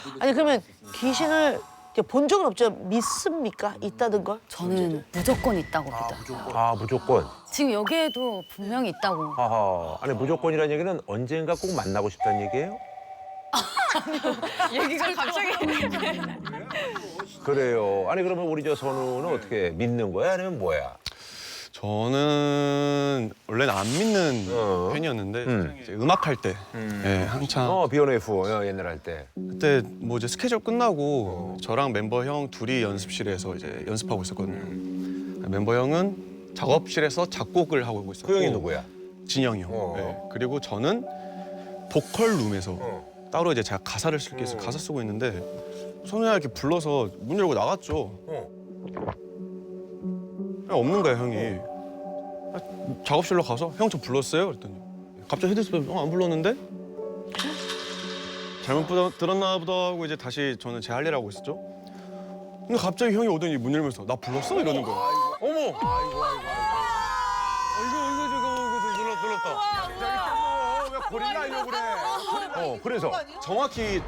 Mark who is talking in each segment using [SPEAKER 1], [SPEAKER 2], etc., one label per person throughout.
[SPEAKER 1] 아니 그러면 귀신을 이제 본 적은 없죠? 믿습니까? 있다는 걸?
[SPEAKER 2] 저는 무조건 있다고 믿어요.
[SPEAKER 3] 아, 무조건.
[SPEAKER 2] 지금 여기에도 분명히 있다고.
[SPEAKER 3] 하하. 아니, 무조건이라는 얘기는 언젠가 꼭 만나고 싶다는 얘기예요?
[SPEAKER 2] 얘기가 갑자기.
[SPEAKER 3] 그래요. 아니, 그러면 우리 저 선우는 어떻게 믿는 거야? 아니면 뭐야?
[SPEAKER 4] 저는 원래는 안 믿는 팬이었는데 이제 음악할 때 예, 한창
[SPEAKER 3] B1F 옛날 할 때.
[SPEAKER 4] 그때 뭐 이제 스케줄 끝나고 저랑 멤버 형 둘이 연습실에서 이제 연습하고 있었거든요. 멤버 형은 작업실에서 작곡을 하고 있었고
[SPEAKER 3] 그 형이 누구야?
[SPEAKER 4] 진영이 형. 예. 그리고 저는 보컬 룸에서 따로 이제 제가 가사를 쓸 게 있어서 가사 쓰고 있는데 선우야 이렇게 불러서 문 열고 나갔죠. 그냥 없는 거야 형이. 작업실로 가서 형 저 불렀어요? 그랬더니 갑자기 헤드셋 안 불렀는데? 잘못 들었나 보다 하고 이제 다시 저는 제 할 일 하고 있었죠. 근데 갑자기 형이 오더니 문 열면서 나 불렀어? 이러는 거야. 어머! 이거 놀랐다.
[SPEAKER 3] 왜 고릴라 하려고 그래? 그래서.
[SPEAKER 4] 정확히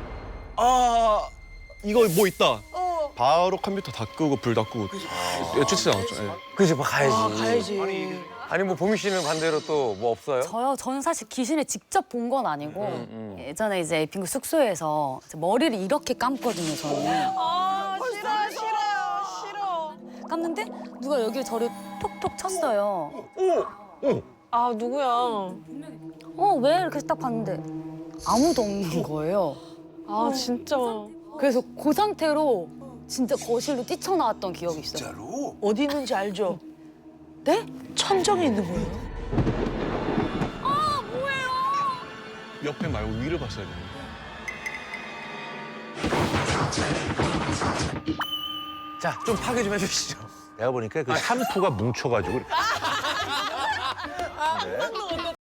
[SPEAKER 4] 이거 뭐 있다. 바로 컴퓨터 다 끄고 불 다 끄고 추측 나왔죠. 예.
[SPEAKER 5] 그치, 뭐 가야지.
[SPEAKER 1] 가야지.
[SPEAKER 5] 아니 뭐 보미 씨는 반대로 또 뭐 없어요?
[SPEAKER 2] 저는 사실 귀신을 직접 본 건 아니고 예전에 이제 에이핑크 숙소에서 이제 머리를 이렇게 감거든요, 저는.
[SPEAKER 1] 싫어.
[SPEAKER 2] 감는데 누가 여기를 저를 톡톡 쳤어요.
[SPEAKER 6] 아, 누구야?
[SPEAKER 2] 왜 이렇게 딱 봤는데 아무도 없는 거예요.
[SPEAKER 6] 아, 진짜.
[SPEAKER 2] 그래서 그 상태로 진짜 거실로 뛰쳐나왔던 기억이 있어요.
[SPEAKER 1] 어디 있는지 알죠?
[SPEAKER 2] 네?
[SPEAKER 1] 천정에 있는 거예요.
[SPEAKER 4] 옆에 말고 위를 봤어야 돼요.
[SPEAKER 5] 자, 좀 파괴 좀 해주시죠.
[SPEAKER 3] 내가 보니까 그 샴푸가 뭉쳐가지고.